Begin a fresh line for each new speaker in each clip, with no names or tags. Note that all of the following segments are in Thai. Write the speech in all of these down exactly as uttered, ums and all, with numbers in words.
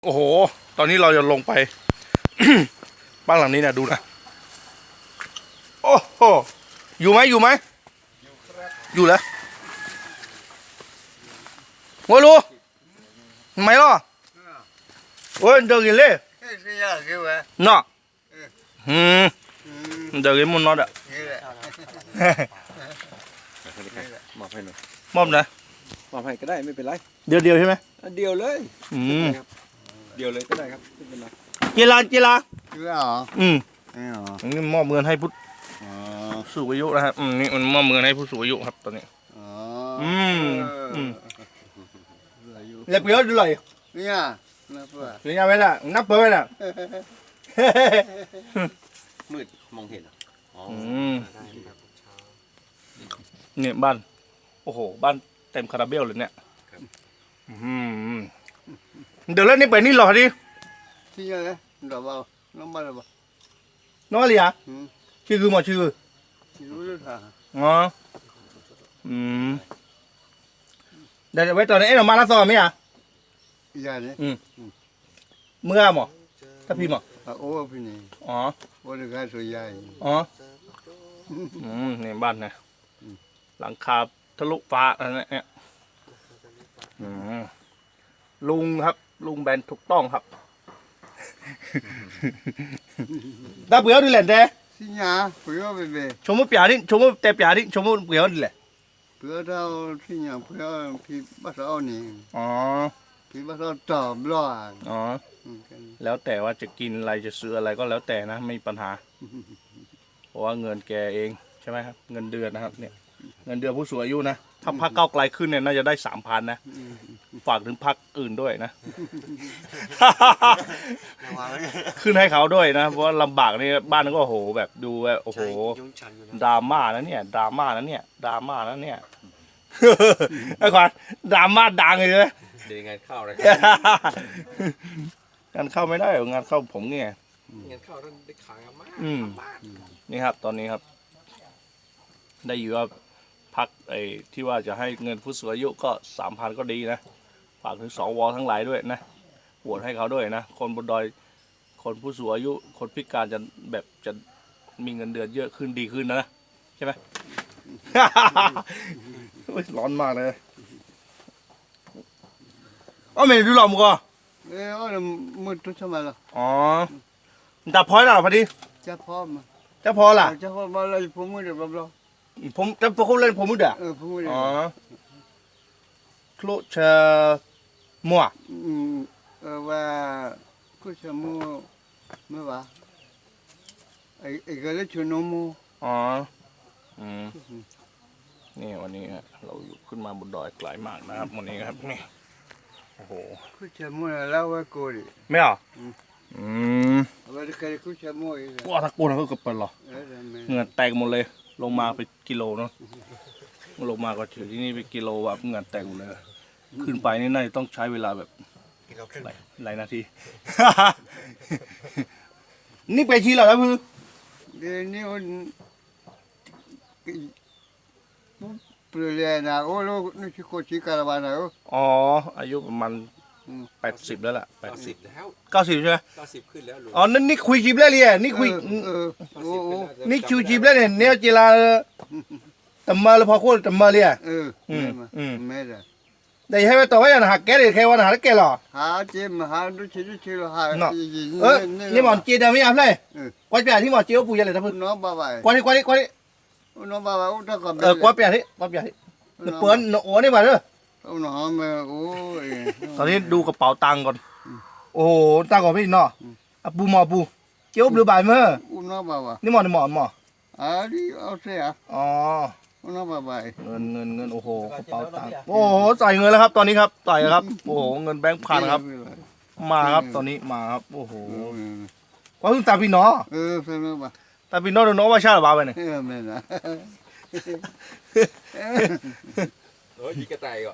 โอ้โหตอนนี้เราจะลงไป บ้านหลังนี้นะดูนะโอ้โหอยู่ไหมอยู่ไหมอยู่แล้วโอ้ลูไม่หรอโอ้ยเดินกินเลยเนาะอืมเดินกินมุนนอดอ่ะ
มอบให้หน่อย
มอบนะ
มอบให้ก็ได้ไม่เป็นไร
เดียวเดียวใช่ไหม
เดียวเลย
อืม
เดียวเลยก็ได้ครับไม่เป็นไร
เจลาเจลา
เชื่อเหรอ
อืม
ไม่เหรอ
นี่มอบเงินให้ผู้
อ๋อ
สูงอายุนะครับอืมนี่มันมอบเงินให้ผู้สูงอายุครับตอนนี้
อ๋อ
อืมอืม
อายุ
เล็บเยอะดูเลย
เนี่ยนะเพื่อ
เรียนไปละนับเปิดไปละ
มืดมองเห็นอ๋อ
อืมเนี่ยบ้านโอ้โหบ้านเต็มคาราเบลเลยเนี่ยอืมเดี๋ยวเล่นนี่ไปนี่หรอดิ
ที่ยังไงดอกเบาน้องบ้านดอกเบา
น้องอะไรอ่ะ
อืม
ชื่อคือหมอชื่อ
รู้ด้วยค่ะ
อ๋ออืมเดี๋ยวไว้ตอนนี้เอ๊ะเรามาแล้วสอนไหมอ่ะ
อย่างนี้
เมื่อหมอถ้าพี่หมอ
อ่ะโอ้พี่นี่
อ๋อ
โอ้เด็กแก่สวยใหญ่
อ๋ออืมนี่บ้านนะหลังคาทะลุฟ้าอะไรเนี่ยอืมลุงครับ ลุงแบนถูกต้องครับได้เปลือกดูแหละแต่
ที่ยาเปลือกไปเบ
ชมว่าเปียดิชมว่าแต่เปียดิชมว่าเปลือกดูแหละ
เปลือกเท่าที่ยาเปลือกพี่บ้านเรานี่
อ๋อ
พี่บ้านเราตอบรอด
อ๋อแล้วแต่ว่าจะกินอะไรจะซื้ออะไรก็แล้วแต่นะไม่มีปัญหาเพราะว่าเงินแกเองใช่ไหมครับเงินเดือนนะครับเนี่ยเงินเดือนผู้สูงอายุนะถ้าพักเก้าไกลขึ้นเนี่ยน่าจะได้สามพันนะฝากถึงพักอื่นด้วยนะ ขึ้นให้เขาด้วยนะเพราะว่าลำบากนี่บ้านก็โอ้โหแบบดูแบบโอ้โหดราม่านะเนี่ยดราม่านะเนี่ยดราม่านะเนี่ย ไอ้ขวัญดราม่าดังเลยนะ
เดี๋ยวงานเข้าเลย
งานเข้าไม่ได้หรองานเข้าผมเนี่ย
งานเข้าต้องได้ขายมาก
อืมนี่ครับตอนนี้ครับ ได้อยู่ว่าพักไอ้ที่ว่าจะให้เงินผู้สูงอายุก็สามพันก็ดีนะฝากถึงสวทั้งหลายด้วยนะโหวตให้เขาด้วยนะคนบนดอยคนผู้สูงอายุ คนพิการจะแบบจะมีเงินเดือนเยอะขึ้นดีขึ้นนะใช่ไหม ร้อนมากเลยอ๋อไม่ดูหรอกมึงก็
เออโอ้มืดทุกชั่วโมงละ
อ๋อจับพอยล่ะพอดี
จะพร้อม
จะพอล่ะ
จะพร้อมมาเลยผมมืดเดี๋ยวเรา
ผมจะพอเขาเล่นผมมืดอ่ะ
เออผมมืด
อ๋อคลุเชอมัว
อืมเออว่ากูจะมูไม่ว่าไอ้ไอ้ก็เลยชวนน้องมู
อ๋ออืมนี่วันนี้ฮะเราอยู่ขึ้นมาบนดอยไกลมากนะครับวันนี้ครับนี่โอ้โห
กูจะมูแล้วว่ากูดิ
ไม่เหรออืม
ว่าจะใครกูจะมูอีก
ว้าตะโกนเขากับเปิดหรอ
เออแม่
เหงื่อแตกหมดเลยลงมาไปกิโลเนาะลงมาก็ถึงที่นี่ไปกิโลแบบเหงื่อแตกหมดเลยขึ้นไปนี่น่าจะต้องใช้เวลาแบบหลายหลายนาที นี่ไปชี้เหรอครับคือ
เดี๋ยวนี้มันเปลือยนะโอ้ลูกนี่ชิโกชิคาราบานะโอ้
อ๋ออายุประมาณแปดสิบแล้วล่ะแปด
เก้า
สิ
สิ
บบ
แล้ว
เก้าสิบใช่ไหม
เก้าสิบขึ้นแล้วลุง
อ๋อนั่นนี่คุยจีบแล้วเลยนี่คุย
เออโอ้โอ้
นี่คิวจีบแล้วเนี่ยเนี่ยเจลาตำมาแล้วพอโคตรตำมาเลย
เออแม่ละ
แต่ให้ไปต่อว่าอย่างหักแกเลยแค่วันหักแกหรอ
หาเจมหาดูชิดูชิหา
เออนี่หมอนเจดาไม่เอาเลยกวาดเปียที่หมอนเจียวปูยันเลยท่านพูด
น้องบ้าไป
กวาดที่กวาดที่กวาดที่
น้องบ้าไปโอ้ถ้ากับ
เออกวาดเปียที่กวาดเปียที่เปิ้ลโอ้นี่มาเด้อ
โอ้น้องแม่โอ้ย
ตอนนี้ดูกระเป๋าตังค์ก่อนโอ้ตังค์ก่อนพี่เนาะปูหมอปูเจียวหรือบ่ายเมื่อ
โอ้น้องบ้าไป
นี่หมอนหมอนหมอ
อ่าดิเอาเสีย
อ๋อ
น้องบ้าไป
เงินเงินเงินโอ้โหกระเป๋าตังค์โอ้โหใส่เงินแล้วครับตอนนี้ครับใส่ครับโอ้โหเงินแบงค์พันครับมาครับตอนนี้มาครับโอ้โหกว่าเพิ่งตาพี่เนาะ
เออเป็นไงบ้าง
ตาพี่เนาะเนาะว่าชาหรือเปล่าไปเนี่ย
เออแม่นะ
เฮ้ยยิงกระต่ายก่อน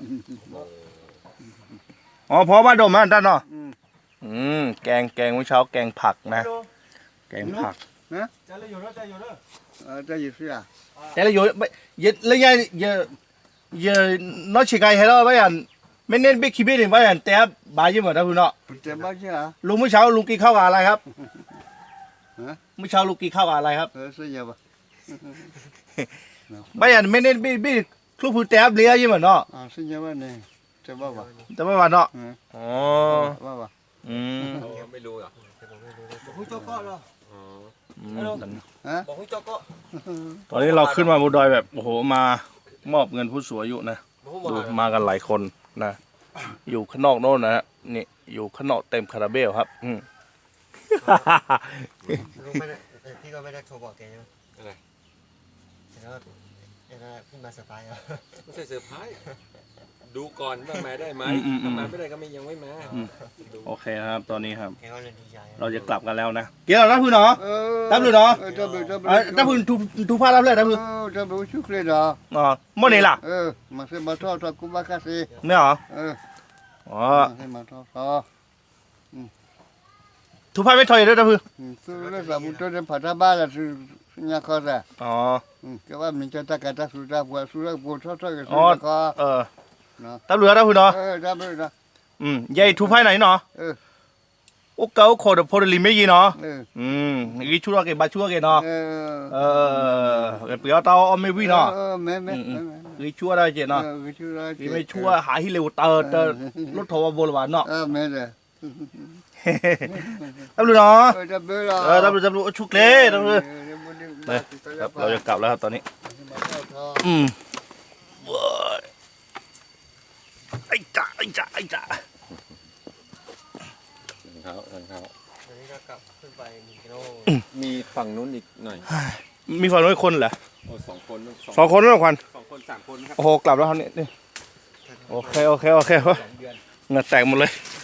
อ๋อพอมาดมนะด้านเนาะ
อืม
อืมแกงแกงเมื่อเช้าแกงผักนะแกงผัก
จะอยู่แล้วจะอยู่แล้วเออจะอยู่เสีย
แต่ละอยู่ไม่เยอะแล้วยังเยอะเยอะน้อยชิไกให้เราไปอันไม่เน้นบิ๊กคิบินี่ว่าอย่างแต่บายยี่หมดนะคุณเนาะ
แต่บ้าใช่ไหม
ลุงเมื่อเช้าลุงกินข้าวกับอะไรครับ
ฮะ
เมื่อเช้าลุงกินข้าวกับอะไรครับ
เออสุดยอดปะ
บายอย่างไม่เน้นบิ๊กบิ๊กคลุกผู้แต่เลี้ยยี่หมดเนาะ
อ่าสุดยอดปะเนี่ยจะบ้าปะ
แต่ไม่ว่าเนาะ
เออ
อ๋อ
บ้าปะ
อืม
เขาไม่รู้เหรอ
บอกให้เจ้าก็เหรอ
อ๋อ
อืม
ฮะ
บอกให้เจ้าก็
ตอนนี้เราขึ้นมาบนดอยแบบโอ้โหมามอบเงินผู้สูงอายุนะ
บอก
ดู
ให้
มากันหลายคนนะอยู่ข้างนอกโน่นนะฮะนี่อยู่ข้างนอกเต็มคาราเบลครับอืม
ลุงไม่ได้แต่พี่ก็ไม่ได้โทรบอกแกใช่ไหม
อะไร
แล้วแล้วขึ้นมาสไตล์อ่ะ
ไม่ใช่เซอร์ไพรส์ดูก่อนว่ามาได้ไหม
อืมอืมอืม
ถ้ามาไม่ได้ก็ไม่ยังไม่มา
อืม
ดู
โอเคครับตอนนี้ครับ
แกก็เลยดีใจ
เราจะกลับกันแล้วนะเกี่ยวรับพื้นเหรอ
เออ
รับเลยเหรอ
เออรับเลยรับเล
เอ้
ย
ยรับพื้นทุทุกภาพรับเลยรับ
เอ
พื้น
อรับเลยชุกเลยเหรอ
อ๋อเมื่อไหร่ล่ะ
เออมาเสมาทอดทอดกุบาคาซี
เนี่ยเหรอ
เออ
อ๋อ
มาเสมาทอดทอด
ทุกภาพไม่ถอยด้วยรับพื้น
สุดเลยสามุทรเดินผ่านบ้านละสุสุญญาคอร์ะ
อ๋อ
ก็ว่ามีจะตากาตาสุดาบัวสุดาบัวทอดทอดกับสุ
อ๋อ
ญญาคอ
เออ
เนาะ
รับเหลือรับพื้นเนาะ
เออรับเลยนะ
อืมยายทุกภาพไหนเนาะ
เออ
โอ้เก๋าโคตรโพลิไม่ยีเนาะ
เออ
อืมนี่ชั่วเกบาชั่วเกเนาะ
เออ
เออเปลี่ยนเตาเอาไม่วิ่งเนาะ
เออแม่แม่
นี่ชั่วได้เจเนาะ
เออชั่ว
นี่ไม่ชั่วหาที่เร็วเตอเตอรถโทรมาโบราณเนาะ
เออแม่เลย
รับรู้เนาะ
เออรับเลยละ
เออรับรู้รับรู้ชุกเล่รับรู้ครับเราจะกลับแล้วครับตอนนี้ อืมว้ายไอ้จ่าไอ้จ่าไอ้จ่า
เท้าเท้า
วันนี้ก็กลับขึ้นไปหนึ่งกิโล
มีฝั่งนู้นอีกหน่อย
มีฝั่งนู้นคนเหรอ
โอ้สองคนสอง
สองคนนั่นควัน
สองคนสามคนครับ
โอ้โหกลับแล้วครับเนี่ยนี่โอเคโอเคโอเค
สองเดือน
เหงื่อแตกหมดเลย
ส